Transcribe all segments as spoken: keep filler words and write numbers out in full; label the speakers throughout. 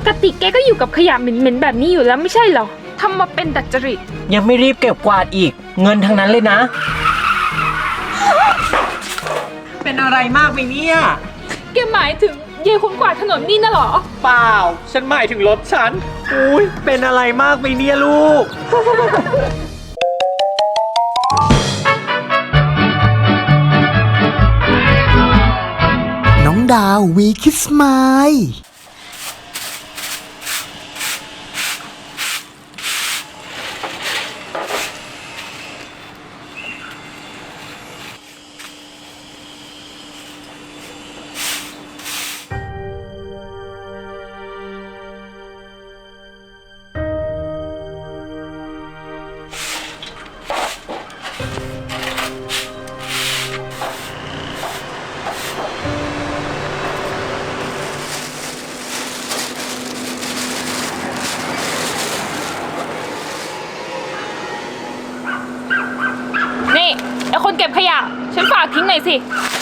Speaker 1: กติแกก็อยู่กับขยะเหม็นๆแบบนี้อยู่แล้วไม่ใช่เหรอทำมาเป็นดัดจริต
Speaker 2: ยังไม่รีบเก็บกวาดอีกเงินทั้งนั้นเลยนะเป็นอะไรมากไหมเนี่ย
Speaker 1: แกหมายถึงเยคนกวาดถนนนี่น่ะเหรอ
Speaker 2: เปล่าฉันหมายถึงรถฉันอุ้ยเป็นอะไรมากไหมเนี่ยลูก
Speaker 3: น้องดาววีคิสไมล์
Speaker 1: นี่ไอคนเก็บขยะฉันฝากทิ้งหน่อยสิ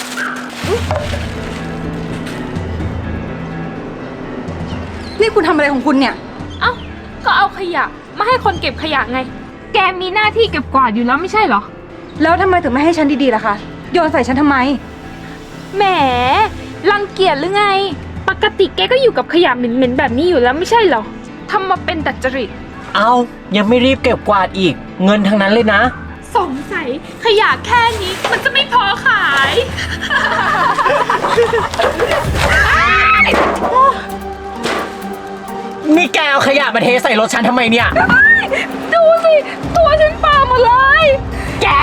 Speaker 4: นี่คุณทำอะไรของคุณเนี่ย
Speaker 1: เอ้าก็เอาขยะมาให้คนเก็บขยะไงแกมีหน้าที่เก็บกวาดอยู่แล้วไม่ใช่เหรอ
Speaker 4: แล้วทำไมถึงไม่ให้ฉันดีๆล่ะคะโยนใส่ฉันทำไม
Speaker 1: แหมรังเกียจหรือไงปกติแกก็อยู่กับขยะเหม็นๆแบบนี้อยู่แล้วไม่ใช่เหรอทำมาเป็นดัดจริต
Speaker 2: เอายังไม่รีบเก็บกวาดอีกเงินทั้งนั้นเลยนะ
Speaker 1: สงสัยขยะแค่นี้มันจะไม่พอขาย
Speaker 2: นี่แกเอาขยะมาเทใส่รถฉันทำไมเนี่ย
Speaker 1: ดูสิตัวฉันเปล่าหมดเลยแก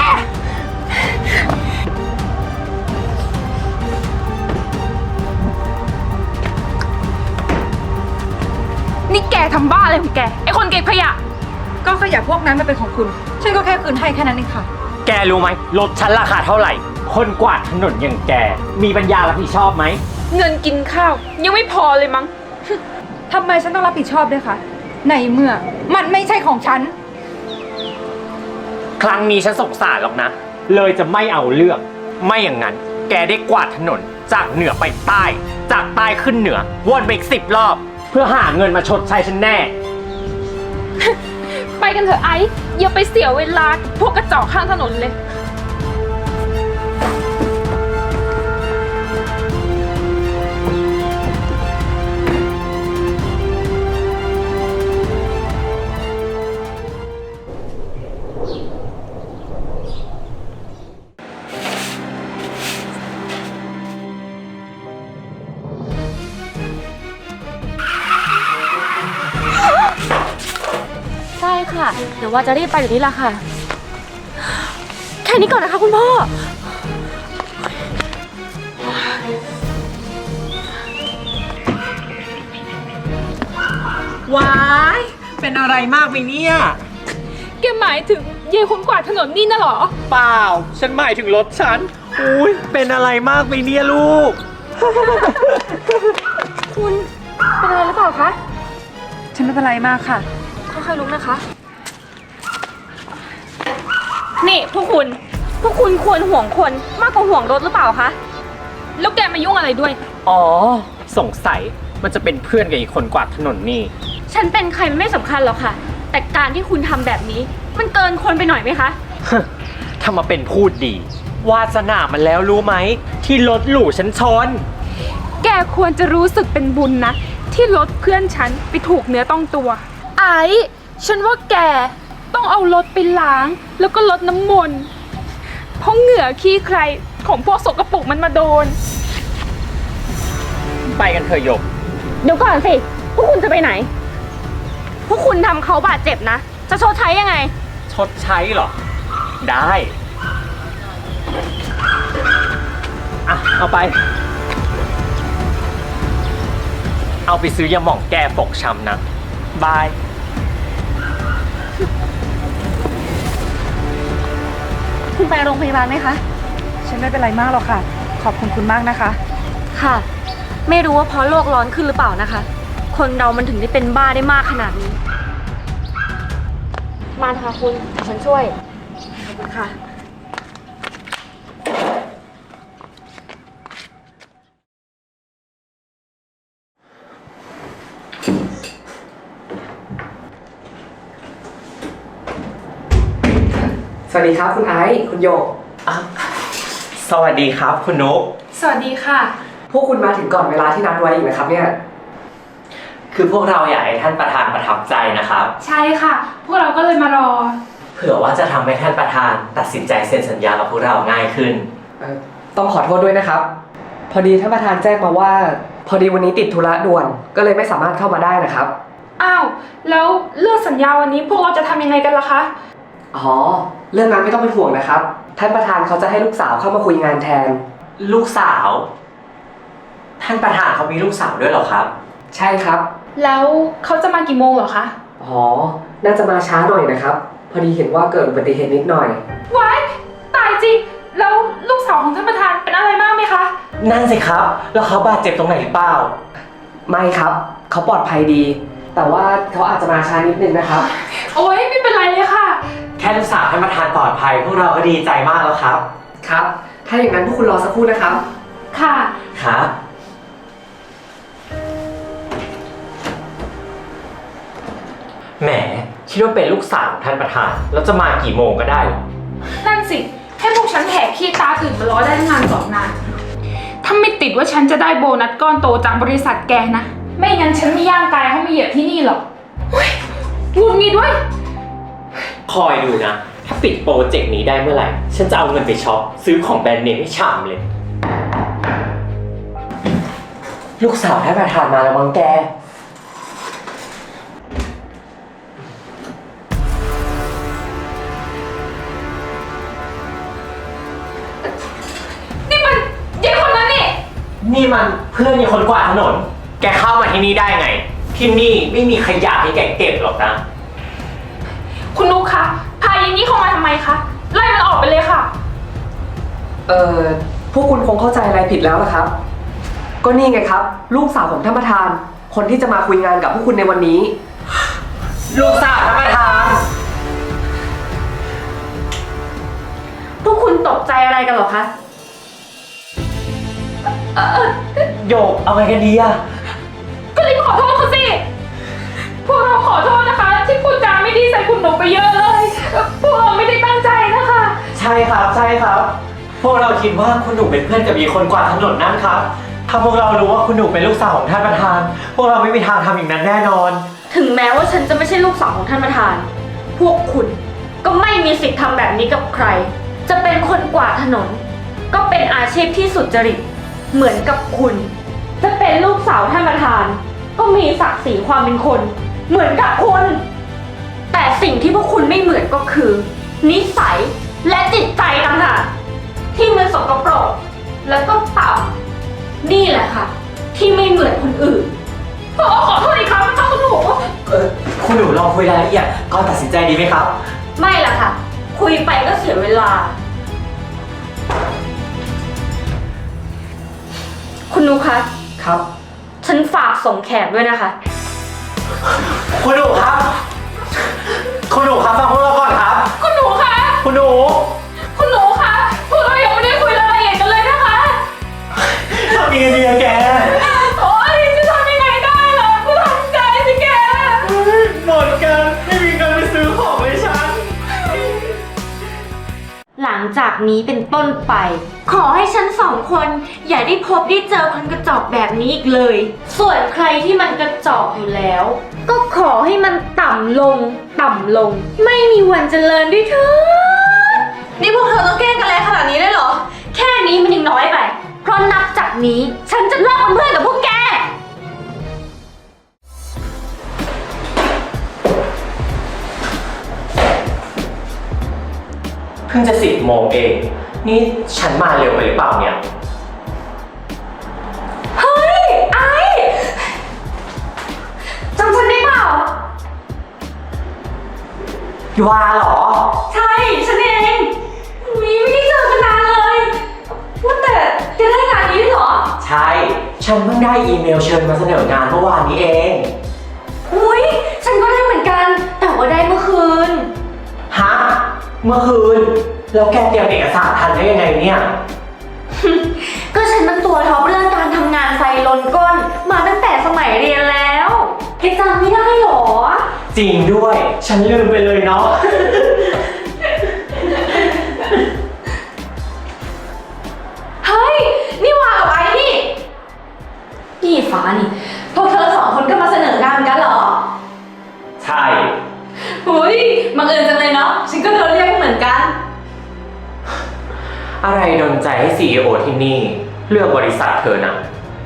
Speaker 1: นี่แกทำบ้าอะไรของแกไอคนเก็บขยะ
Speaker 4: ก็ขยะพวกนั้นมันเป็นของคุณฉันก็แค่คืนให้แค่นั้นเองค่ะ
Speaker 2: แกรู้ไหมรถฉันราคาเท่าไหร่คนกวาดถนนอย่างแกมีปัญญารับผิดชอบไหม
Speaker 1: เงินกินข้าวยังไม่พอเลยมั้ง
Speaker 4: ทำไมฉันต้องรับผิดชอบด้วยคะในเมื่อมันไม่ใช่ของฉัน
Speaker 2: ครั้งนี้ฉันสงสารหรอกนะเลยจะไม่เอาเรื่องไม่อย่างนั้นแกได้กวาดถนนจากเหนือไปใต้จากใต้ขึ้นเหนือวนไปอีกสิบรอบเพื่อหาเงินมาชดใช้ฉันแน่
Speaker 1: ไปกันเถอะไอ้อย่าไปเสียเวลาพวกกระจอกข้างถนนเลย
Speaker 5: ใช่ค่ะเดี๋ยวว่าจะรีบไปอยู่นี่แหละค่ะแค่นี้ก่อนนะคะคุณพ่อ
Speaker 2: ว้ายเป็นอะไรมากไหมเนี่ย
Speaker 1: แกหมายถึงเยคนกวาดถนนนี่น่ะเหรอ
Speaker 2: เปล่าฉันหมายถึงรถฉันอุ้ยเป็นอะไรมากไหมเนี่ยลูก
Speaker 5: คุณเป็นอะไรหรือเปล่าคะ
Speaker 4: ฉันไม่เป็นไรมากค่ะ
Speaker 5: ค่อยๆลุกนะคะนี่พวกคุณพวกคุณควรห่วงคนมากกว่าห่วงรถหรือเปล่าคะ
Speaker 1: แล้วแกมายุ่งอะไรด้วย
Speaker 2: อ๋อสงสัยมันจะเป็นเพื่อนกับอีกคนกวาดถนนนี่
Speaker 5: ฉันเป็นใครมันไม่สำคัญหรอกค่ะแต่การที่คุณทำแบบนี้มันเกินคนไปหน่อยไหมคะ
Speaker 2: ถ้ามาเป็นพูดดีวาสนามันแล้วรู้ไหมที่รถหลู่ฉันชน
Speaker 1: แกควรจะรู้สึกเป็นบุญนะที่รถเพื่อนฉันไปถูกเนื้อต้องตัวไอ้ฉันว่าแกต้องเอารถไปล้างแล้วก็ลดน้ำมนต์เพราะเหงื่อขี้ใครของพวกสกปรกมันมาโดน
Speaker 2: ไปกันเถอะหยก
Speaker 5: เดี๋ยวก่อนสิพวกคุณจะไปไหนพวกคุณทำเขาบาดเจ็บนะจะชดใช้ยังไง
Speaker 2: ชดใช้เหรอได้อ่ะเอาไปเอาไปซื้อยาหม่องแก้ฟกช้ำนะบาย
Speaker 5: คุณไปโรงพยาบาลไหมคะ
Speaker 4: ฉันไม่เป็นไรมากหรอกค่ะขอบคุณคุณมากนะคะ
Speaker 5: ค่ะไม่รู้ว่าเพราะโลกร้อนขึ้นหรือเปล่านะคะคนเรามันถึงได้เป็นบ้าได้มากขนาดนี้มาค่ะคุณฉันช่วยขอบคุณค่ะ
Speaker 6: สวัสดีครับคุณไอซ์คุณโยก
Speaker 2: อ่ะสวัสดีครับคุณนุ๊ก
Speaker 1: สวัสดีค่ะ
Speaker 6: พวกคุณมาถึงก่อนเวลาที่นัดไว้อีกนะครับเนี่ย
Speaker 2: คือพวกเราอยากให้ท่านประธานประทับใจนะครับ
Speaker 1: ใช่ค่ะ พวกเราก็เลยมารอ
Speaker 2: เผื่อว่าจะทำให้ท่านประธานตัดสินใจเซ็นสัญญากับพวกเราง่ายขึ้น
Speaker 6: เอ่อต้องขอโทษด้วยนะครับ พอดีท่านประธานแจ้งมาว่า พอดีวันนี้ติดธุระด่วนก็เลยไม่สามารถเข้ามาได้นะครับ
Speaker 1: อ้าว แล้วเรื่องสัญญาวันนี้พวกเราจะทำยังไงกันล่ะคะ
Speaker 6: อ๋อเรื่องนั้นไม่ต้องเป็นห่วงนะครับท่านประธานเขาจะให้ลูกสาวเข้ามาคุยงานแทน
Speaker 2: ลูกสาว ท่านประธานเขามีลูกสาวด้วยเหรอครับ
Speaker 6: ใช่ครับ
Speaker 1: แล้วเขาจะมากี่โมงเหรอคะ
Speaker 6: อ๋อน่าจะมาช้าหน่อยนะครับพอดีเห็นว่าเกิดอุบัติเหตุนิดหน่อย
Speaker 1: ว้ายตายจริง แล้วลูกสาวของท่านประธานเป็นอะไรมากไหมคะ
Speaker 2: นั่นสิครับ แล้วเขาบาดเจ็บตรงไหนหรือเปล่า
Speaker 6: ไม่ครับเขาปลอดภัยดี แต่ว่าเขาอาจจะมาช้านิดนึงนะครับ
Speaker 1: โอ๊ยไม่เป็นไรเลยค่ะ
Speaker 2: แค่ลูกสาวท่านประธานปลอดภัย พวกเราก็ดีใจมากแล้วครับ
Speaker 6: ครับ ถ้าอย่างนั้นพวกคุณรอสักครู่นะครับ
Speaker 1: ค่ะ
Speaker 2: ครับ แหมคิดว่าเป็นลูกสาวของท่านประธาน แล้วจะมากี่โมงก็ได้เหรอ
Speaker 1: นั่นสิ ให้พวกฉันแหกขี้ตาตื่นมารอได้ตั้งนานสองนาน ถ้าไม่ติดว่าฉันจะได้โบนัสก้อนโตจากบริษัทแกนะ ไม่งั้นฉันไม่ย่างกายเข้ามาเหยียบที่นี่หรอกเฮ้ยหงุดหงิดด้วย
Speaker 2: คอยดูนะ ถ้าปิดโปรเจกต์นี้ได้เมื่อไหร่ ฉันจะเอาเงินไปช็อปซื้อของแบรนด์เนมให้ชามเลย ลูกสาวท่านประธานมาแล้วมั้งแก
Speaker 1: นี่มันยายคนนั้นนี่
Speaker 2: นี่มันเพื่อนมีคนกวาดถนน แกเข้ามาที่นี่ได้ไง ที่นี่ไม่มีขยะให้แกเก็บหรอกนะ
Speaker 1: คุณนุ๊กคะ พายายนี่เข้ามาทำไมคะ ไล่มันออกไปเลยค่ะ
Speaker 6: เอ่อพวกคุณคงเข้าใจอะไรผิดแล้วล่ะครับ ก็นี่ไงครับ ลูกสาวของท่านประธาน คนที่จะมาคุยงานกับพวกคุณในวันนี้
Speaker 2: ลูกสาวท่านประธาน
Speaker 5: พวกคุณตกใจอะไรกันเหรอคะ
Speaker 2: โยกเอาไงกันดีอะ
Speaker 1: ก็รีบขอโทษเขาสิ พวกเราขอโทษนะคะ ที่พูดจาไม่ดีใส่คุณหนูไปเยอะเลย พวกเราไม่ได้ตั้งใจนะคะ
Speaker 2: ใช่ครับใช่ครับ พวกเราคิดว่าคุณหนูเป็นเพื่อนกับมีคนกวาดถนนนั่นครับ ถ้าพวกเรารู้ว่าคุณหนูเป็นลูกสาวของท่านประธาน พวกเราไม่มีทางทำอย่างนั้นแน่นอน
Speaker 5: ถึงแม้ว่าฉันจะไม่ใช่ลูกสาวของท่านประธาน พวกคุณก็ไม่มีสิทธิ์ทำแบบนี้กับใคร จะเป็นคนกวาดถนน ก็เป็นอาชีพที่สุจริต เหมือนกับคุณ จะเป็นลูกสาวท่านประธาน ก็มีศักดิ์ศรีความเป็นคน เหมือนกับคุณ แต่สิ่งที่พวกคุณไม่เหมือนก็คือ นิสัยและจิตใจต่างหากที่มันสกปรกแล้วก็ต่ำนี่แหละค่ะ ที่ไม่เหมือนคนอื่น
Speaker 1: พวกเราขอโทษอีกครั้งนะคะคุณหนู
Speaker 2: เออคุณหนูลองคุยรายละเอียดก่อนตัดสินใจดีไหมครับ
Speaker 5: ไม่ล่ะค่ะ คุยไปก็เสียเวลา คุณนุคะ
Speaker 6: ครับ
Speaker 5: ฉันฝากส่งแขกด้วยนะคะ
Speaker 2: คุณหนูครับ คุณหนูครับฟังพวกเราก่อนครับ
Speaker 1: คุณหนูคะ
Speaker 2: คุณหนู
Speaker 1: คุณหนูคะ พวกเรายังไม่ได้คุยรายละเอียดกันเลยนะคะ
Speaker 2: ทำยังไงดีอะแก
Speaker 1: โอ๊ยจะทำยังไงได้ล่ะกูทำใจสิแก
Speaker 2: หมดกันไม่มีเงินไปซื้อของเลยฉัน
Speaker 5: หลังจากนี้เป็นต้นไป ขอให้ฉันสองคนอย่าได้พบได้เจอคนกระจอกแบบนี้อีกเลย ส่วนใครที่มันกระจอกอยู่แล้ว ก็ขอให้มันต่ำลง ต่ำลง ไม่มีวันเจริญด้วยเถิดนี่พวกเธอต้องแกล้งกันแรงขนาดนี้ได้เหรอ แค่นี้มันยังน้อยไป เพราะนับจากนี้ฉันจะเลิกเป็นเพื่อนกับพวกแก
Speaker 2: เพิ่งจะสิบโมงเอง นี่ฉันมาเร็วไปหรือเปล่าเนี่ย
Speaker 5: เฮ้ย ไอ้จำฉันได้เปล่า
Speaker 2: วาเหรอ
Speaker 5: ใช่ ฉันเองอุ๊ยไม่ได้เจอกันนานเลย ว่าแต่แกได้งานนี้ด้วยเหรอ
Speaker 2: ใช่ ฉันเพิ่งได้อีเมลเชิญมาเสนองานเมื่อวานนี้เอง
Speaker 5: อุ้ยฉันก็ได้เหมือนกัน แต่ว่าได้เมื่อคืน
Speaker 2: ฮะ เมื่อคืน แล้วแกเตรียมเอกสารทันได้ยังไงเนี่ย
Speaker 5: ก็ฉันเป็นตัวท็อปเรื่องการทำงานไฟลนก้น มาตั้งแต่สมัยเรียนแล้วแกจำไม่ได้เหรอ
Speaker 2: จริงด้วย ฉันลืมไปเลยเนาะอะไรดลใจให้ ซี อี โอ ที่นี่ เลือกบริษัทเธอนะ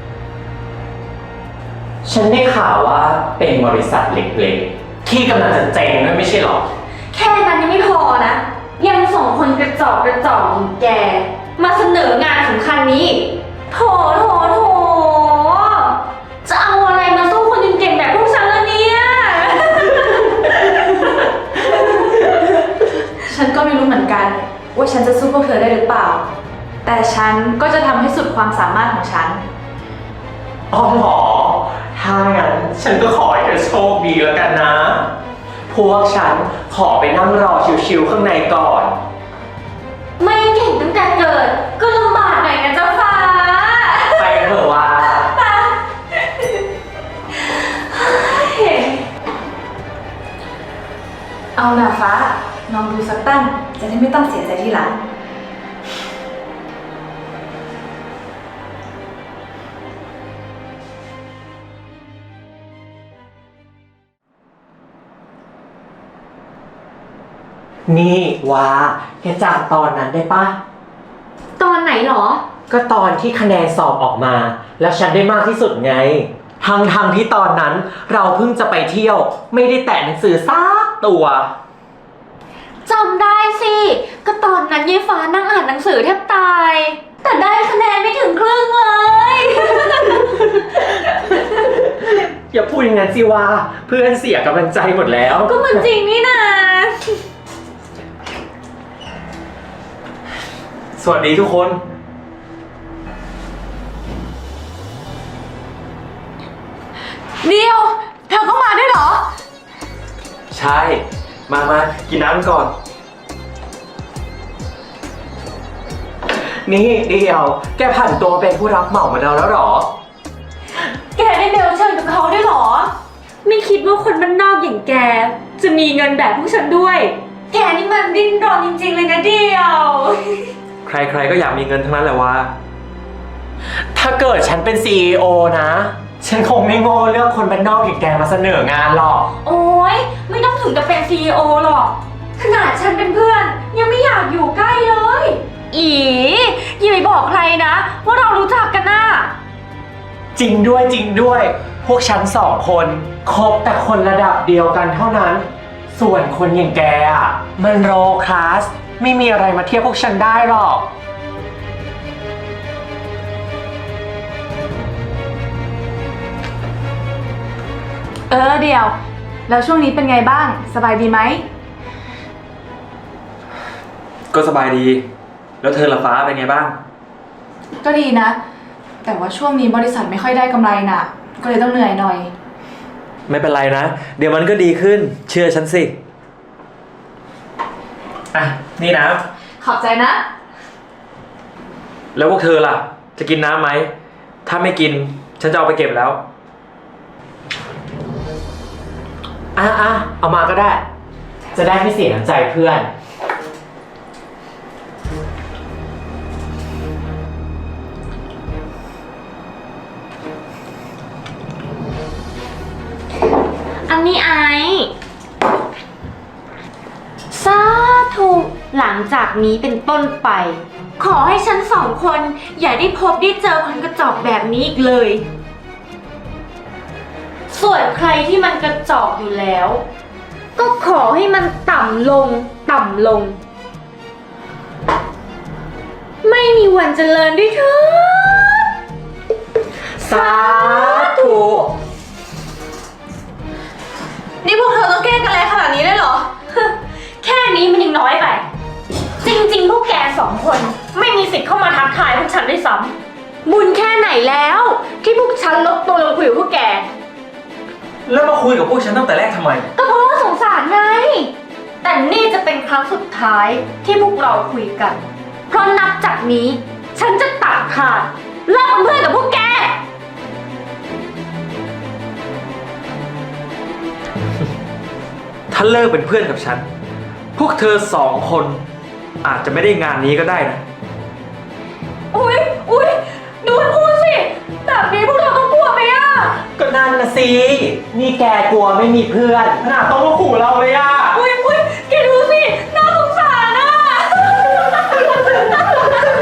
Speaker 2: ฉันได้ข่าวว่าเป็นบริษัทเล็กๆ ที่กำลังจะเจ๊งด้วยไม่ใช่หรอ
Speaker 5: แค่นั้นยังไม่พอนะ ยังส่งคนกระจอกกระจอกอย่างแก มาเสนองานสำคัญนี้อีกโถโถโถจะเอาอะไรมาสู้คนเก่งๆแบบพวกฉันล่ะเนี่ย
Speaker 4: ฉันก็ไม่รู้เหมือนกัน ว่าฉันจะสู้พวกเธอได้หรือเปล่า แต่ฉันก็จะทำให้สุดความสามารถของฉัน
Speaker 2: อ๋อเหรอ ถ้างั้นฉันก็ขอให้เธอโชคดีแล้วกันนะ พวกฉันขอไปนั่งรอชิวๆข้างในก่อน
Speaker 5: ไม่เก่งตั้งแต่เกิด ก็ลำบากหน่อยนะเจ้าฟ้า
Speaker 2: ไปเถอะว่า
Speaker 4: เอาหน่าฟ้าลองดูสักตั้ง จะได้ไม่ต้องเสียใจทีหลัง
Speaker 2: นี่ว่าแกจำตอนนั้นได้ปะ
Speaker 5: ตอนไหนหรอ
Speaker 2: ก็ตอนที่คะแนนสอบออกมา แล้วฉันได้มากที่สุดไง ทั้งทงๆที่ตอนนั้นเราเพิ่งจะไปเที่ยว ไม่ได้แตะหนังสือซักตัว
Speaker 5: จำได้สิ ก็ตอนนั้นยายฟ้านั่งอ่านหนังสือแทบตาย แต่ได้คะแนนไม่ถึงครึ่งเลย
Speaker 2: อย่าพูดอย่างนั้นสิว่าเพื่อนเสียกำลังใจหมดแล้ว
Speaker 5: ก็มันจริงนี่นะ
Speaker 2: สวัสดีทุกคน
Speaker 4: เดียว เธอก็มาได้วยเหรอ
Speaker 2: ใช่ มามากินน้ำก่อน นี่เดียว แกผ่านตัวเป็นผู้รับเหมามาแล้วแล้วหรอ
Speaker 5: แกได้เบลเชิญกับเขาด้วยเหรอ ไม่คิดว่าคนบ้านนอกอย่างแก จะมีเงินแบบพวกฉันด้วย แกนี่มันดิ้นรนจริงๆเลยนะเดียว
Speaker 7: ใครๆก็อยากมีเงินทั้งนั้นแหละวะ
Speaker 2: ถ้าเกิดฉันเป็น ซี อี โอ นะ ฉันคงไม่โง่เลือกคนบ้านนอกอย่างแกมาเสนองานหรอก
Speaker 5: โอ๊ย ไม่ต้องถึงกับเป็น ซี อี โอ หรอก ขนาดฉันเป็นเพื่อน ยังไม่อยากอยู่ใกล้เลย อีอย่าไปบอกใครนะ ว่าเรารู้จักกันน่ะ
Speaker 2: จริงด้วยจริงด้วย พวกฉันสองคนคบแต่คนระดับเดียวกันเท่านั้น ส่วนคนอย่างแกอ่ะ มันโรคลาส ไม่มีอะไรมาเทียบพวกฉันได้หรอก
Speaker 4: เออเดียว แล้วช่วงนี้เป็นไงบ้าง สบายดีไหม
Speaker 7: ก็สบายดี แล้วเธอละฟ้าเป็นไงบ้าง
Speaker 4: ก็ดีนะ แต่ว่าช่วงนี้บริษัทไม่ค่อยได้กำไรน่ะ ก็เลยต้องเหนื่อยหน่อย
Speaker 7: ไม่เป็นไรนะ เดี๋ยวมันก็ดีขึ้น เชื่อฉันสิ
Speaker 2: อ่ะ นี่นะ
Speaker 4: ขอบใจนะ
Speaker 7: แล้วพวกเธอล่ะ จะกินน้ำไหม ถ้าไม่กิน ฉันจะเอาไปเก็บแล้ว
Speaker 2: อ่ะอ่ะเอามาก็ได้ จะได้ไม่เสียน้ำใจเพื่อน
Speaker 5: อันนี้ไอสาธุหลังจากนี้เป็นต้นไป ขอให้ฉันสองคนอย่าได้พบได้เจอคนกระจอกแบบนี้อีกเลย ส่วนใครที่มันกระจอกอยู่แล้ว ก็ขอให้มันต่ำลง ต่ำลง ไม่มีวันเจริญด้วยเถิด
Speaker 2: สาธุ
Speaker 4: นี่พวกเธอต้องแกล้งกันแรงขนาดนี้เลยเหรอ
Speaker 5: แค่นี้มันยังน้อยไป จริงๆ พวกแกสองคนไม่มีสิทธิ์เข้ามาทักทายพวกฉันด้วยซ้ำบุญแค่ไหนแล้ว ที่พวกฉันลดตัวลงคุยกับพวกแก
Speaker 7: แล้วมาคุยกับพวกฉันตั้งแต่แรกทำไม
Speaker 5: ก็เพราะว่าสงสารไง แต่นี่จะเป็นครั้งสุดท้ายที่พวกเราคุยกัน เพราะนับจากนี้ ฉันจะตัดขาดเลิกเป็นเพื่อนกับพวกแก
Speaker 7: ถ้าเลิกเป็นเพื่อนกับฉัน พวกเธอสองคน อาจจะไม่ได้งานนี้ก็ได้นะ
Speaker 5: อุ๊ย อุ๊ย ดูมันพูดสิ แบบนี้พวกเราต้องกลัวไหมอะ
Speaker 2: ก็นั่นนะสิ นี่แกกลัวไม่มีเพื่อนขนาดต้องมาขู่เราเลยอ่ะ
Speaker 5: อุ๊ย อุ๊ย แกดูสิ น่าสงสารอะ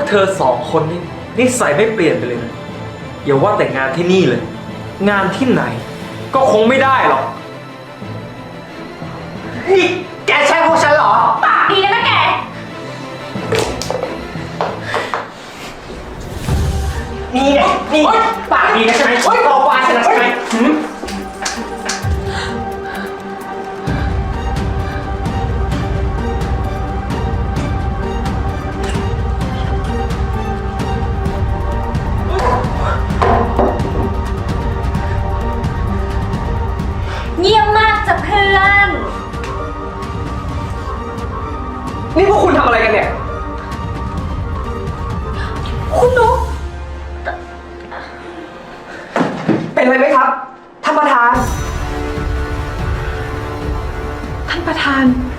Speaker 7: เธอสองคนนี่นิสัยไม่เปลี่ยนไปเลยนะอย่าว่าแต่งานที่นี่เลย งานที่ไหน ก็คงไม่ได้หรอก
Speaker 2: นี่แกใช่พวกฉันเหรอ
Speaker 5: ปากดีนะแก
Speaker 2: นี่ไงนี่ปากดีนะใช่ไหมโตกว่าฉันนะใช่ไหมหืม
Speaker 5: เยี่ยมมากจ้ะเพื่อน
Speaker 6: นี่พวกคุณทำอะไรกันเนี่ย
Speaker 5: คุณนุ๊ก
Speaker 6: เป็นอะไรไหมครับ ท่านประธาน
Speaker 1: ท่านประธาน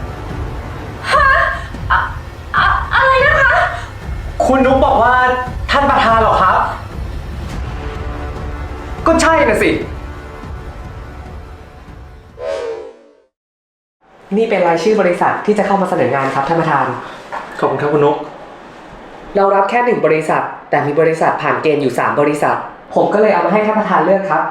Speaker 5: อะไรนะคะ
Speaker 2: คุณนุ๊กบอกว่าท่านประธานเหรอครับ
Speaker 6: ก็ใช่น่ะสิ นี่เป็นรายชื่อบริษัทที่จะเข้ามาเสนองานครับท่านประธาน
Speaker 7: ขอบคุณครับคุณนุ๊ก
Speaker 6: เรารับแค่หนึ่งบริษัท แต่มีบริษัทผ่านเกณฑ์อยู่สามบริษัท ผมก็เลยเอามาให้ท่านประธานเลือกครับ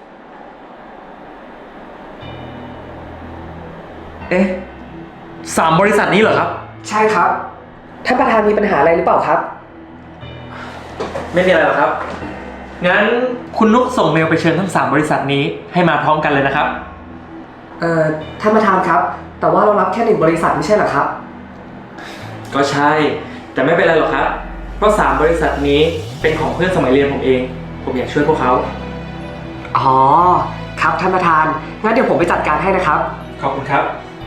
Speaker 7: เอ๊ะสามบริษัทนี้เหรอครับ
Speaker 6: ใช่ครับ ท่านประธานมีปัญหาอะไรหรือเปล่าครับ
Speaker 7: ไม่มีอะไรหรอกครับ งั้นคุณนุ๊กส่งเมลไปเชิญทั้งสามบริษัทนี้ให้มาพร้อมกันเลยนะครับ
Speaker 6: เอ่อ ท่านประธานครับ แต่ว่าเรารับแค่หนึ่งบริษัทไม่ใช่เหรอครับ
Speaker 7: ก็ใช่ แต่ไม่เป็นไรหรอกครับ เพราะสามบริษัทนี้เป็นของเพื่อนสมัยเรียนผมเอง ผมอยากช่วยพวกเขา
Speaker 6: อ๋อ ครับท่านประธาน งั้นเดี๋ยวผมไปจัดการให้นะครับ
Speaker 7: ขอบคุณครับ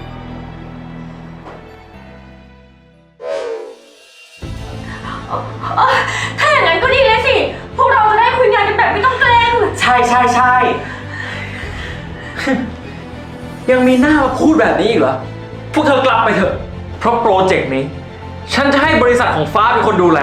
Speaker 5: ถ้าอย่างนั้นก็ดีเลยสิ พวกเราจะได้คุยงานกันแบบไม่ต้องเกรง
Speaker 2: ใช่ใช่ใช่
Speaker 7: ยังมีหน้ามาพูดแบบนี้อีกเหรอ พวกเธอกลับไปเถอะ เพราะโปรเจกต์นี้ ฉันจะให้บริษัทของฟ้าเป็นคนดูแล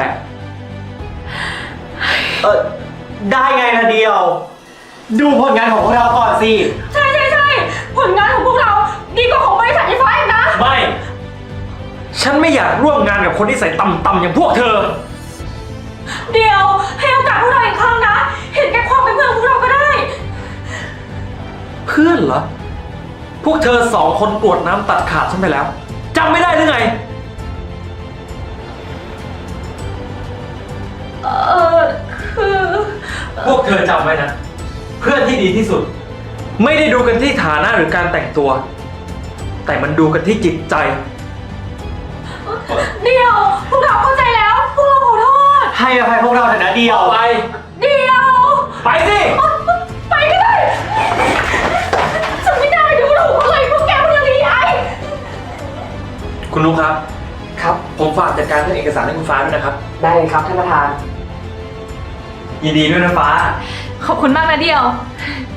Speaker 2: เออได้ไงล่ะเดียว ดูผลงานของพวกเราก่อนสิ
Speaker 5: ใช่ใช่ใช่ผลงานของพวกเราดีกว่าของบริษัทไฟฟ้าอีกนะ
Speaker 7: ไม่ ฉันไม่อยากร่วมงานกับคนที่ใส่ต่ำๆอย่างพวกเธอ
Speaker 5: เดี๋ยวให้โอกาสพวกเราอีกครั้งนะ เห็นแก่ความเป็นเพื่อนของพวกเราก็ได้
Speaker 7: เพื่อนเหรอ พวกเธอสองคนกรวดน้ำตัดขาดฉันไปแล้วจำไม่ได้หรือไง
Speaker 5: เออคือ
Speaker 7: พวกเธอจำไว้นะ เพื่อนที่ดีที่สุด ไม่ได้ดูกันที่ฐานะหรือการแต่งตัว แต่มันดูกันที่จิตใจ
Speaker 5: เดี๋ยวพวกเราเข้าใจแล้ว พวกเราขอโทษ
Speaker 2: ให้อภัยพวกเราเถอะนะเดียว
Speaker 7: ไป
Speaker 5: เดี๋ยว
Speaker 7: ไปสิ
Speaker 5: ไปก็ได้ ฉันไม่ได้ดูถูกเขาเลยพวกแกพวกนี้ไอ้
Speaker 7: คุณนุ๊กครับ
Speaker 6: ครับ
Speaker 7: ผมฝากจัดการเรื่องเอกสารให้คุณฟ้าด้วยนะครับ
Speaker 6: ได้เลยครับท่านประธาน
Speaker 7: ยินดีด้วยนะฟ้า
Speaker 4: ขอบคุณมากนะเดียว